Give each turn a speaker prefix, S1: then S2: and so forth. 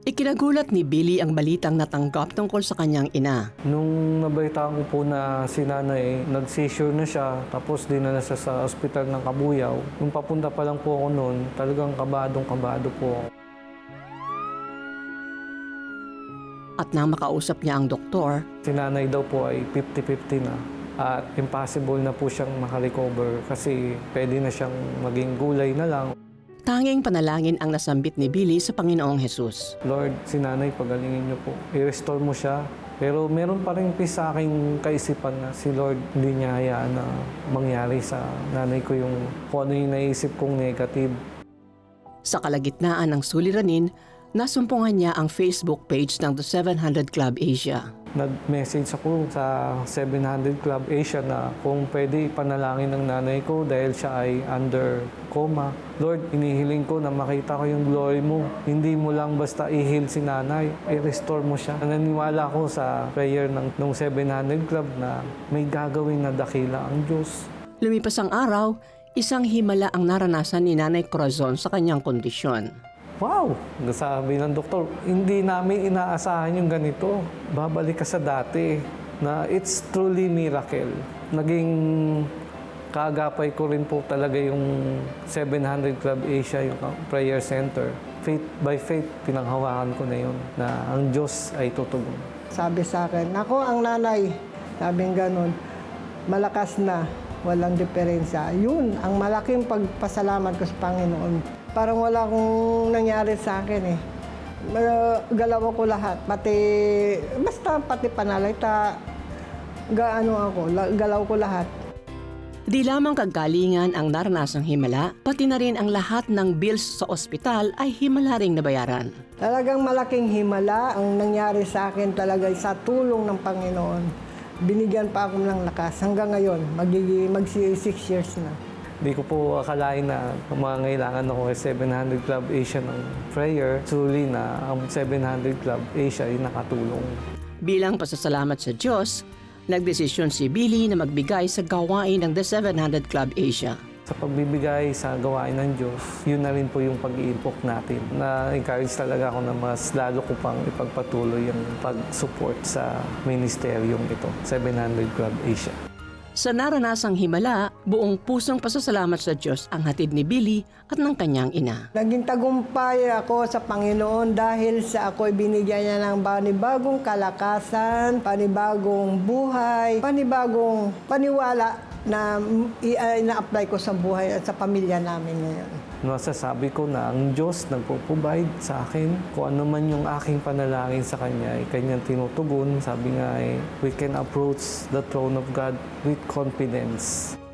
S1: Ikinagulat ni Billy ang balitang natanggap tungkol sa kanyang ina.
S2: Nung nabalitaan ko po na si nanay, nag-seizure na siya, tapos dinala siya sa ospital ng Kabuyaw. Nung papunta pa lang po ako noon, talagang kabadong-kabado po ako.
S1: At nang makausap niya ang doktor,
S2: Si nanay daw po ay 50-50 na at impossible na po siyang makarecover kasi pwede na siyang maging gulay na lang.
S1: tanging panalangin ang nasambit ni Billy sa Panginoong Hesus.
S2: Lord, si nanay, pagalingin niyo po. I-restore mo siya. Pero meron pa rin sa aking kaisipan na si Lord hindi niya hayaan na mangyari sa nanay ko yung kung ano yung naisip kong negative.
S1: Sa kalagitnaan ng suliranin, nasumpungan niya ang Facebook page ng The 700 Club Asia.
S2: Nag-message ako sa 700 Club Asia na kung pwede ipanalangin ng nanay ko dahil siya ay under coma. Lord, inihiling ko na makita ko yung glory mo. Hindi mo lang basta i-heal si nanay, i-restore mo siya. Naniniwala ko sa prayer ng 700 Club na may gagawin na dakila ang Diyos.
S1: Lumipas ang araw, isang himala ang naranasan ni Nanay Corazon sa kanyang kondisyon.
S2: Wow! Sabi ng doktor, hindi namin inaasahan yung ganito. Babalik ka sa dati na it's truly miracle. Naging kaagapay ko rin po talaga yung 700 Club Asia, yung prayer center. Faith by faith, pinanghawakan ko na yun na ang Diyos ay tutugon.
S3: Sabi sa akin, ako ang nanay, sabing ganun, malakas na, walang diferensya. Yun, ang malaking pagpasalamat ko sa Panginoon. Parang wala akong nangyari sa akin eh. Galaw ko lahat, pati panalita, galaw ko lahat.
S1: Di lamang kagalingan ang naranasang himala, pati na rin ang lahat ng bills sa ospital ay himala ring nabayaran.
S3: Talagang malaking himala ang nangyari sa akin talaga sa tulong ng Panginoon. Binigyan pa ako ng lakas. Hanggang ngayon, mag-6 years na.
S2: Di ko po akalain na mangangailangan ako sa 700 Club Asia ng prayer. Truly na ang 700 Club Asia ay nakatulong.
S1: Bilang pasasalamat sa Diyos, nagdesisyon si Billy na magbigay sa gawain ng The 700 Club Asia.
S2: Sa pagbibigay sa gawain ng Diyos, yun na rin po yung pag-iimpok natin. Na-encourage talaga ako na mas lalo ko pang ipagpatuloy yung pag-support sa ministeryong ito, 700 Club Asia.
S1: Sa naranasang himala, buong pusong pasasalamat sa Diyos ang hatid ni Billy at ng kanyang ina.
S3: Naging tagumpay ako sa Panginoon dahil sa ako'y binigyan niya ng panibagong kalakasan, panibagong buhay, panibagong paniwala na ina-apply ko sa buhay at sa pamilya namin ngayon.
S2: Masasabi ko na ang Diyos nagpo-provide sa akin. Kung ano man yung aking panalangin sa Kanya, ay Kanyang tinutugon. Sabi nga we can approach the throne of God with confidence.